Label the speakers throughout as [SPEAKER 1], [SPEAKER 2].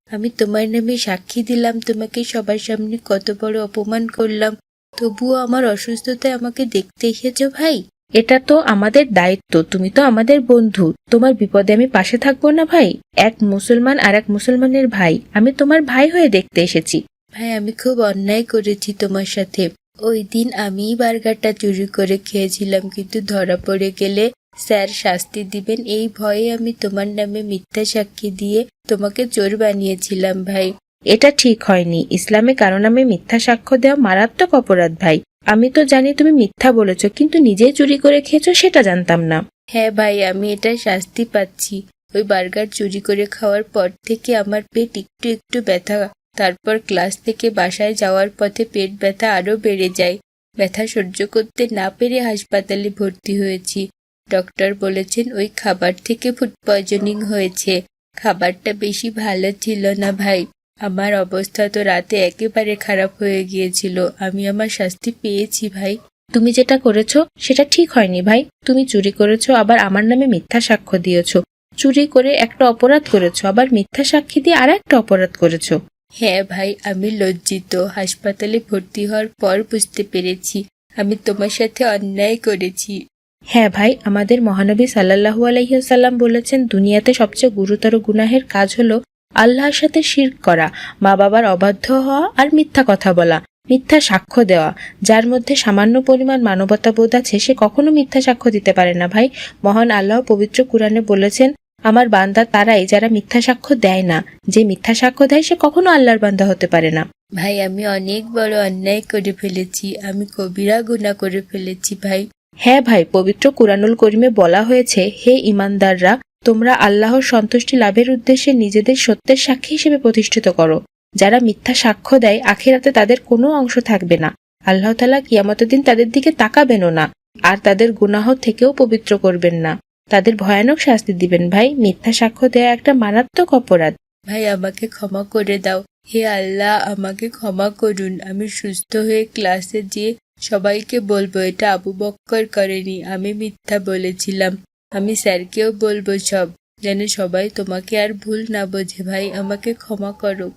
[SPEAKER 1] আমি তোমার নামে সাক্ষী দিলাম, তোমাকে সবার সামনে কত বড় অপমান করলাম, তবুও আমার অসুস্থতায় আমাকে দেখতে এসেছো ভাই।
[SPEAKER 2] এটা তো আমাদের দায়িত্ব, তুমি তো আমাদের বন্ধু, তোমার বিপদে আমি পাশে থাকবো না ভাই? এক মুসলমান আর এক মুসলমানের ভাই, আমি তোমার ভাই হয়ে দেখতে এসেছি।
[SPEAKER 1] ভাই আমি খুব অন্যায় করেছি তোমার সাথে। ওই দিন আমিই বার্গারটা চুরি করে খেয়েছিলাম, কিন্তু ধরা পড়ে গেলে স্যার শাস্তি দিবেন এই ভয়ে আমি তোমার নামে মিথ্যা সাক্ষী দিয়ে তোমাকে চোর বানিয়েছিলাম ভাই।
[SPEAKER 2] এটা ঠিক হয়নি, ইসলামে কারো নামে মিথ্যা সাক্ষ্য দেওয়া মারাত্মক অপরাধ ভাই। আমি তো জানি তুমি মিথ্যা বলেছো, কিন্তু নিজেই চুরি করে খেয়েছো সেটা জানতাম না।
[SPEAKER 1] হ্যাঁ ভাই, আমি এটা শাস্তি পাচ্ছি। ওই বার্গার চুরি করে খাওয়ার পর থেকে আমার পেট একটু একটু ব্যথা, তারপর ক্লাস থেকে বাসায় যাওয়ার পথে পেট ব্যথা আরো বেড়ে যায়। ব্যথা সহ্য করতে না পেরে হাসপাতালে ভর্তি হয়েছি। ডক্টর বলেছেন ওই খাবার থেকে ফুড পয়জনিং হয়েছে। খাবারটা বেশি ভালো ছিল না ভাই। আমার অবস্থা তো রাতে একেবারে খারাপ হয়ে গিয়েছিল। আমি আমার শাস্তি পেয়েছি ভাই।
[SPEAKER 2] তুমি যেটা করেছো সেটা ঠিক হয়নি ভাই। তুমি চুরি করেছো, আবার আমার নামে মিথ্যা সাক্ষ্য দিয়েছো। চুরি করে একটা অপরাধ করেছো, আবার মিথ্যা সাক্ষী দিয়ে আর একটা অপরাধ করেছো।
[SPEAKER 1] হ্যাঁ ভাই, আমি লজ্জিত। হাসপাতালে ভর্তি হওয়ার পর বুঝতে পেরেছি আমি তোমার সাথে অন্যায় করেছি।
[SPEAKER 2] হ্যাঁ ভাই, আমাদের মহানবী সাল্লাল্লাহু আলাইহি ওয়াসাল্লাম বলেছেন, দুনিয়াতে সবচেয়ে গুরুতর গুনাহের কাজ হলো আল্লাহর সাথে শিরক করা, মা বাবার অবাধ্য হওয়া আর মিথ্যা কথা বলা, মিথ্যা সাক্ষ্য দেওয়া। যার মধ্যে সামান্য পরিমাণ মানবতা বোধ আছে সে কখনো মিথ্যা সাক্ষ্য দিতে পারে না ভাই। মহান আল্লাহ পবিত্র কুরআনে বলেছেন, আমার বান্দা তারাই যারা মিথ্যা সাক্ষ্য দেয় না। যে মিথ্যা সাক্ষ্য দেয় সে কখনো আল্লাহর বান্দা হতে পারে না।
[SPEAKER 1] ভাই আমি অনেক বড় অন্যায় করে ফেলেছি, আমি কবিরা গুনাহ করে ফেলেছি ভাই।
[SPEAKER 2] হ্যাঁ ভাই, পবিত্র কুরআনুল করিমে বলা হয়েছে, হে ঈমানদাররা, তোমরা আল্লাহর সন্তুষ্টি লাভের উদ্দেশ্যে নিজেদের সত্যের সাক্ষী হিসেবে প্রতিষ্ঠিত করো। যারা মিথ্যা সাক্ষ্য দেয় আখিরাতে তাদের কোনো অংশ থাকবে না। আল্লাহ তাআলা কিয়ামতের দিন তাদের দিকে তাকাবেনও না, আর তাদের গুনাহ থেকেও পবিত্র করবেন না। তাদের ভয়ানক শাস্তি দিবেন ভাই। মিথ্যা সাক্ষ্য দেয়া একটা মারাত্মক অপরাধ।
[SPEAKER 1] ভাই আমাকে ক্ষমা করে দাও। হে আল্লাহ, আমাকে ক্ষমা করুন। আমি সুস্থ হয়ে ক্লাসে গিয়ে সবাইকে বলবো এটা আবু বক্কর করেনি, আমি মিথ্যা বলেছিলাম। আমি স্যারকেও বলবো সব, যেন সবাই তোমাকে আর ভুল না বোঝে। ভাই আমাকে ক্ষমা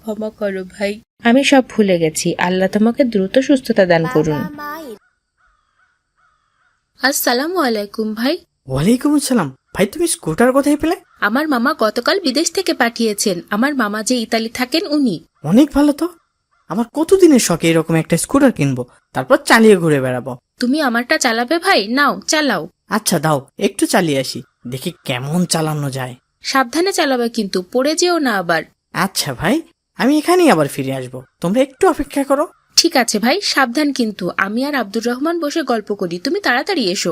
[SPEAKER 1] করো ভাই।
[SPEAKER 2] আমি সব ভুলে গেছি। আল্লাহ তোমাকে দ্রুত সুস্থতা দান করুন।
[SPEAKER 1] আসসালামু আলাইকুম ভাই।
[SPEAKER 3] ওয়ালাইকুম আসসালাম। ভাই তুমি স্কুটার কোথায় পেলে?
[SPEAKER 1] আমার মামা গতকাল বিদেশ থেকে পাঠিয়েছেন। আমার মামা যে ইতালি থাকেন উনি।
[SPEAKER 3] অনেক ভালো তো। আমার কতদিনের শখ এরকম একটা স্কুটার কিনবো, তারপর চালিয়ে ঘুরে বেড়াবো।
[SPEAKER 1] তুমি আমারটা চালাবে ভাই? নাও চালাও।
[SPEAKER 3] আচ্ছা দাও, একটু চালিয়ে আসি, দেখি কেমন চালানো যায়।
[SPEAKER 1] সাবধানে চালাবে কিন্তু, পড়ে যেও না আবার।
[SPEAKER 3] আচ্ছা ভাই, আমি এখানেই আবার ফিরে আসবো, তোমরা একটু অপেক্ষা করো।
[SPEAKER 1] ঠিক আছে ভাই, সাবধান কিন্তু। আমি আর আব্দুর রহমান বসে গল্প করি, তুমি তাড়াতাড়ি এসো।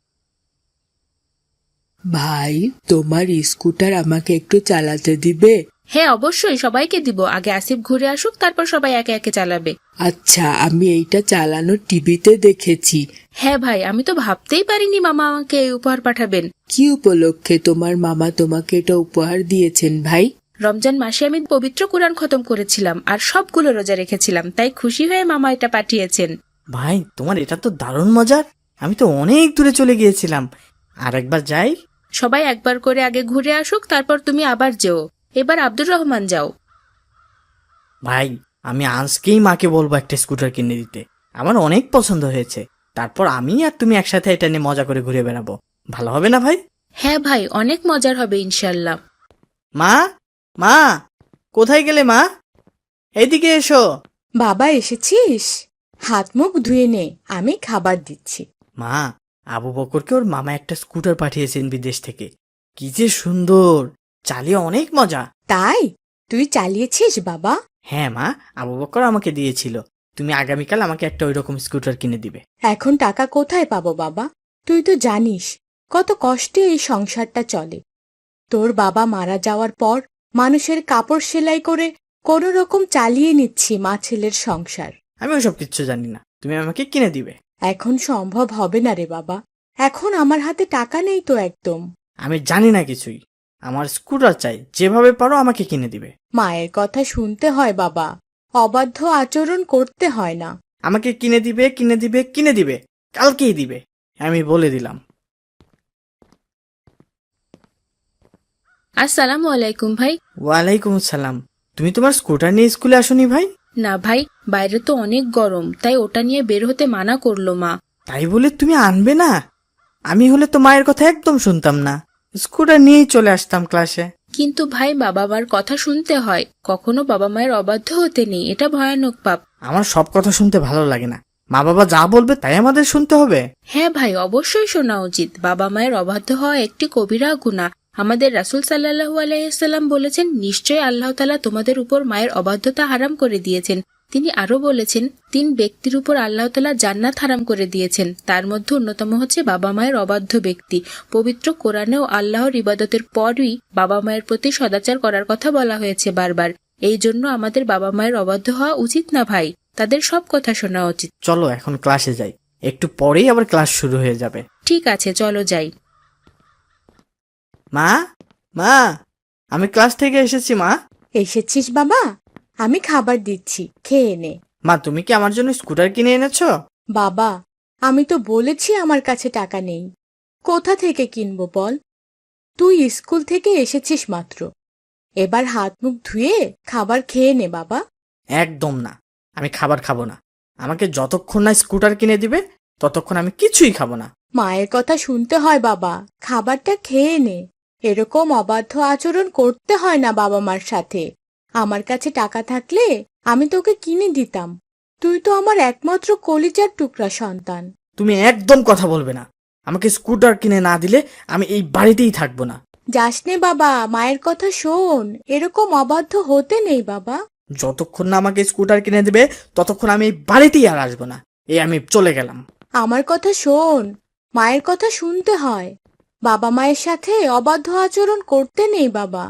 [SPEAKER 4] ভাই, তোমার স্কুটার আমাকে একটু চালাতে দিবে?
[SPEAKER 1] হ্যাঁ অবশ্যই, সবাইকে দিব। আগে আসিফ ঘুরে আসুক, তারপর সবাই একে একে চালাবে।
[SPEAKER 4] আচ্ছা, আমি এইটা চালানো টিভিতে দেখেছি।
[SPEAKER 1] হ্যাঁ ভাই, আমি তো ভাবতেই পারিনি মামা আমাকে এই উপহার পাঠাবেন।
[SPEAKER 4] কি উপলক্ষে তোমার মামা তোমাকে এটা উপহার দিয়েছেন ভাই?
[SPEAKER 1] রমজান মাসে আমি পবিত্র কুরআন খতম করেছিলাম আর সবগুলো রোজা রেখেছিলাম, তাই খুশি হয়ে মামা এটা পাঠিয়েছেন।
[SPEAKER 3] ভাই তোমার এটা তো দারুণ মজার। আমি তো অনেক দূরে চলে গিয়েছিলাম, আর একবার যাই।
[SPEAKER 1] সবাই একবার করে আগে ঘুরে আসুক, তারপর তুমি আবার যেও। এবার আব্দুর রহমান যাও।
[SPEAKER 3] ভাই আমি আজকেই মাকে বলবো একটা স্কুটার কিনে দিতে, আমার অনেক পছন্দ হয়েছে। তারপর আমি আর তুমি একসাথে এটা নিয়ে মজা করে ঘুরে বেড়াবো, ভালো হবে না ভাই?
[SPEAKER 1] হ্যাঁ ভাই, অনেক মজার হবে ইনশাল্লাহ।
[SPEAKER 3] মা, মা, কোথায় গেলে মা? এইদিকে এসো।
[SPEAKER 5] বাবা এসেছিস? হাত মুখ ধুয়ে নে, আমি খাবার দিচ্ছি।
[SPEAKER 3] মা, আবু বকরকে ওর মামা একটা স্কুটার পাঠিয়েছেন বিদেশ থেকে। কি যে সুন্দর, চালিয়ে অনেক মজা।
[SPEAKER 5] তাই তুই চালিয়েছিস বাবা?
[SPEAKER 3] হ্যাঁ মা, আবু বকর আমাকে দিয়েছিল। তুমি আগামীকাল আমাকে একটা ওইরকম স্কুটার কিনে দিবে।
[SPEAKER 5] এখন টাকা কোথায় পাবো বাবা? তুই তো জানিস কত কষ্টে এই সংসারটা চলে। তোর বাবা মারা যাওয়ার পর মানুষের কাপড় সেলাই করে কোনো রকম চালিয়ে নিচ্ছি মা ছেলের সংসার।
[SPEAKER 3] আমি ওসব কিচ্ছু জানি না, তুমি আমাকে কিনে দিবে।
[SPEAKER 5] এখন সম্ভব হবে না রে বাবা, এখন আমার হাতে টাকা নেই তো একদম।
[SPEAKER 3] আমি জানি না কিছুই, আমার স্কুটার চাই, যেভাবে পারো আমাকে কিনে দিবে।
[SPEAKER 5] মায়ের কথা শুনতে হয় বাবা, অবাধ্য আচরণ করতে হয় না।
[SPEAKER 3] আমাকে কিনে দিবে, কিনে দিবে, কিনে দিবে, কালকেই দিবে, আমি বলে দিলাম।
[SPEAKER 1] আসসালামু আলাইকুম ভাই।
[SPEAKER 3] ওয়ালাইকুম আসসালাম। তুমি তোমার স্কুটার নিয়ে স্কুলে আসোনি ভাই?
[SPEAKER 2] না ভাই, বাইরে তো অনেক গরম, তাই ওটা নিয়ে বের হতে মানা করলো মা।
[SPEAKER 3] তাই বলে তুমি আনবে না? আমি হলে তো মায়ের কথা একদম শুনতাম না, স্কুটার নিয়েই চলে আসতাম ক্লাসে।
[SPEAKER 2] কিন্তু ভাই, বাবা মার কথা শুনতে হয়, কখনো বাবা মায়ের অবাধ্য হতে নেই, এটা ভয়ানক পাপ।
[SPEAKER 3] আমার সব কথা শুনতে ভালো লাগে না, মা বাবা যা বলবে তাই আমাদের শুনতে হবে।
[SPEAKER 2] হ্যাঁ ভাই, অবশ্যই শোনা উচিত। বাবা মায়ের অবাধ্য হওয়া একটি কবিরা গুনাহ। আমাদের রাসূল সাল্লাল্লাহু আলাইহি সাল্লাম বলেছেন, নিশ্চয় আল্লাহ তাআলা তোমাদের উপর মায়ের অবাধ্যতা হারাম করে দিয়েছেন। তিনি আরো বলেছেন, 3 ব্যক্তির উপর আল্লাহ তাআলা জান্নাত হারাম করে দিয়েছেন, তার মধ্যে অন্যতম হচ্ছে বাবা মায়ের অবাধ্য ব্যক্তি। পবিত্র কোরআনেও আল্লাহর ইবাদতের পরই বাবা মায়ের প্রতি সদাচার করার কথা বলা হয়েছে বারবার। এই জন্য আমাদের বাবা মায়ের অবাধ্য হওয়া উচিত না ভাই, তাদের সব কথা শোনা উচিত।
[SPEAKER 3] চলো এখন ক্লাসে যাই, একটু পরেই আবার ক্লাস শুরু হয়ে যাবে।
[SPEAKER 2] ঠিক আছে, চলো যাই।
[SPEAKER 3] মা, মা, আমি ক্লাস থেকে এসেছি মা।
[SPEAKER 5] এসেছিস বাবা? আমি খাবার দিচ্ছি, খেয়ে নে।
[SPEAKER 3] মা, তুমি কি আমার জন্য স্কুটার কিনে এনেছো?
[SPEAKER 5] বাবা, আমি তো বলেছি আমার কাছে টাকা নেই। কোথা থেকে কিনবো বল? তুই স্কুল থেকে এসেছিস মাত্র, এবার হাত মুখ ধুয়ে খাবার খেয়ে নে বাবা।
[SPEAKER 3] একদম না, আমি খাবার খাবো না। আমাকে যতক্ষণ না স্কুটার কিনে দিবে ততক্ষণ আমি কিছুই খাবো না।
[SPEAKER 5] মায়ের কথা শুনতে হয় বাবা, খাবারটা খেয়ে নে। এরকম অবাধ্য আচরণ করতে হয় না বাবা মার সাথে। আমার কাছে টাকা থাকলে আমি তোকে কিনে দিতাম, তুই তো আমার একমাত্র কলিজার টুকরা সন্তান।
[SPEAKER 3] তুমি একদম কথা বলবে না, আমাকে স্কুটার কিনে না দিলে আমি এই বাড়িতেই থাকবো না।
[SPEAKER 5] যাস নে বাবা, মায়ের কথা শোন, এরকম অবাধ্য হতে নেই বাবা।
[SPEAKER 3] যতক্ষণ না আমাকে স্কুটার কিনে দিবে ততক্ষণ আমি এই বাড়িতেই আর আসবো না। এই আমি চলে গেলাম।
[SPEAKER 5] আমার কথা শোন, মায়ের কথা শুনতে হয়, বাবা মায়ের সাথে অবাধ্য আচরণ করতে নেই বাবা।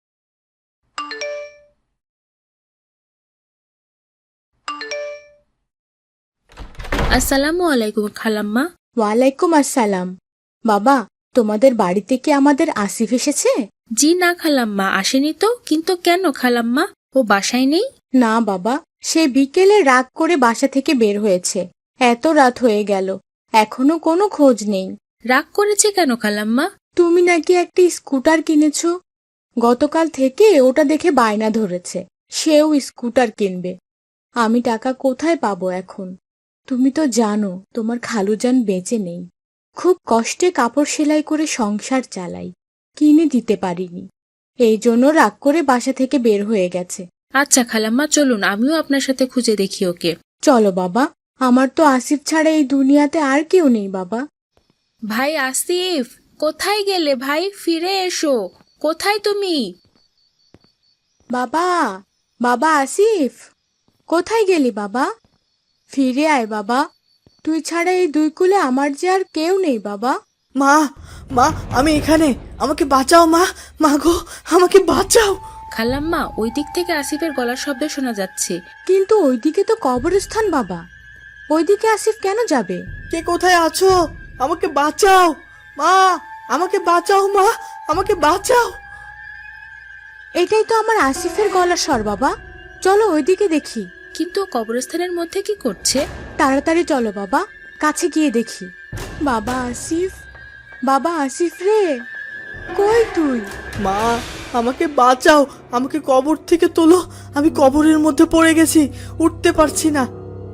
[SPEAKER 2] আসসালামু আলাইকুম খালাম্মা।
[SPEAKER 5] ওয়ালাইকুম আসসালাম। বাবা, তোমাদের বাড়িতে কি আমাদের আসিফ এসেছে?
[SPEAKER 2] জি না খালাম্মা, আসেনি তো। কিন্তু কেন খালাম্মা, ও বাসায় নেই?
[SPEAKER 5] না বাবা, সে বিকেলে রাগ করে বাসা থেকে বের হয়েছে। এত রাত হয়ে গেল, এখনো কোনো খোঁজ নেই।
[SPEAKER 2] রাগ করেছে কেন খালাম্মা?
[SPEAKER 5] তুমি নাকি একটি স্কুটার কিনেছো, গতকাল থেকে ওটা দেখে বায়না ধরেছে, সেও স্কুটার কিনবে। আমি টাকা কোথায় পাবো এখন? তুমি তো জানো তোমার খালুজান বেঁচে নেই, খুব কষ্টে কাপড় সেলাই করে সংসার চালাই, কিনে দিতে পারিনি, এই জন্য রাগ করে বাসা থেকে বের হয়ে গেছে।
[SPEAKER 2] আচ্ছা খালাম্মা, চলুন আমিও আপনার সাথে খুঁজে দেখি ওকে।
[SPEAKER 5] চলো বাবা, আমার তো আসিফ ছাড়া এই দুনিয়াতে আর কেউ নেই বাবা।
[SPEAKER 2] ভাই আসিফ, কোথায় গেলে ভাই? ফিরে এসো, কোথায় তুমি?
[SPEAKER 5] বাবা, বাবা আসিফ, কোথায় গেলি বাবা? ফিরে আয় বাবা, তুই ছাড়া এই দুই কুলে আমার যে আর কেউ নেই বাবা।
[SPEAKER 3] মা, মা, আমি এখানে, আমাকে বাঁচাও মা। মা গো, আমাকে বাঁচাও।
[SPEAKER 2] খালাম্মা, ওই দিক থেকে আসিফের গলার শব্দ শোনা যাচ্ছে।
[SPEAKER 5] কিন্তু ওইদিকে তো কবরস্থান বাবা, ওইদিকে আসিফ কেন যাবে?
[SPEAKER 3] কে কোথায় আছো? আমাকে বাঁচাও মা, আমাকে বাঁচাও মা, আমাকে বাঁচাও।
[SPEAKER 5] এটাই তো আমার আসিফের গলার স্বর বাবা, চলো ওইদিকে দেখি।
[SPEAKER 2] কিন্তু ও কবরস্থানের মধ্যে কি করছে?
[SPEAKER 5] তাড়াতাড়ি চলো বাবা, কাছে গিয়ে দেখি। বাবা আসিফ, বাবা আসিফ রে, কই তুই?
[SPEAKER 3] মা, আমাকে বাঁচাও, আমাকে কবর থেকে তোলো, আমি কবরের মধ্যে পড়ে গেছি, উঠতে পারছি না।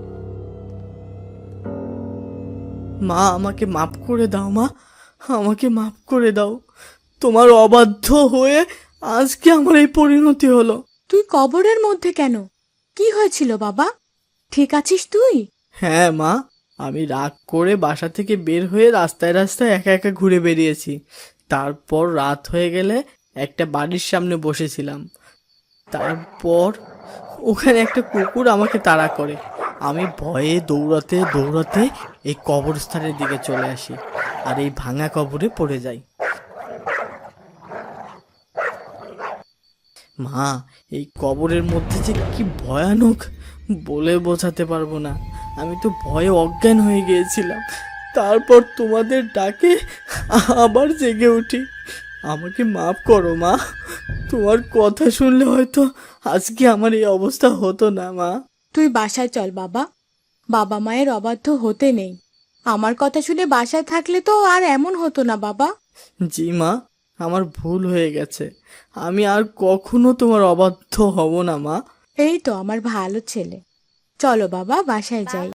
[SPEAKER 3] মা, আমাকে মাফ করে দাও মা, আমাকে মাফ করে দাও। তোমার অবাধ্য হয়ে আজকে আমার এই পরিণতি হলো।
[SPEAKER 5] তুই কবরের মধ্যে কেন? কি হয়েছিল বাবা, ঠিক আছিস তুই?
[SPEAKER 3] হ্যাঁ মা, আমি রাগ করে বাসা থেকে বের হয়ে রাস্তায় রাস্তায় একা একা ঘুরে বেরিয়েছি। তারপর রাত হয়ে গেলে একটা বাড়ির সামনে বসেছিলাম। তারপর ওখানে একটা কুকুর আমাকে তাড়া করে। আমি ভয়ে দৌড়াতে দৌড়াতে এই কবরস্থানের দিকে চলে আসি আর এই ভাঙা কবরে পড়ে যাই। মা, এই কবরের মধ্যে যে কি ভয়ানক বলে বোঝাতে পারবো না। আমি তো ভয়ে অজ্ঞান হয়ে গিয়েছিলাম। তারপর তোমাদের ডাকে আবার জেগে উঠি। আমাকে মাফ করো মা, তোমার কথা শুনলে হয়তো আজকে আমার এই অবস্থা হতো না মা।
[SPEAKER 5] তুই বাসায় চল বাবা, বাবা মায়ের অবাধ্য হতে নেই। আমার কথা শুনে বাসায় থাকলে তো আর এমন হতো না বাবা।
[SPEAKER 3] জি মা, আমার ভুল হয়ে গেছে। আমি আর কখনো তোমার অবাধ্য হব না মা।
[SPEAKER 5] এই তো আমার ভালো ছেলে। চলো বাবা বাসায় যাই।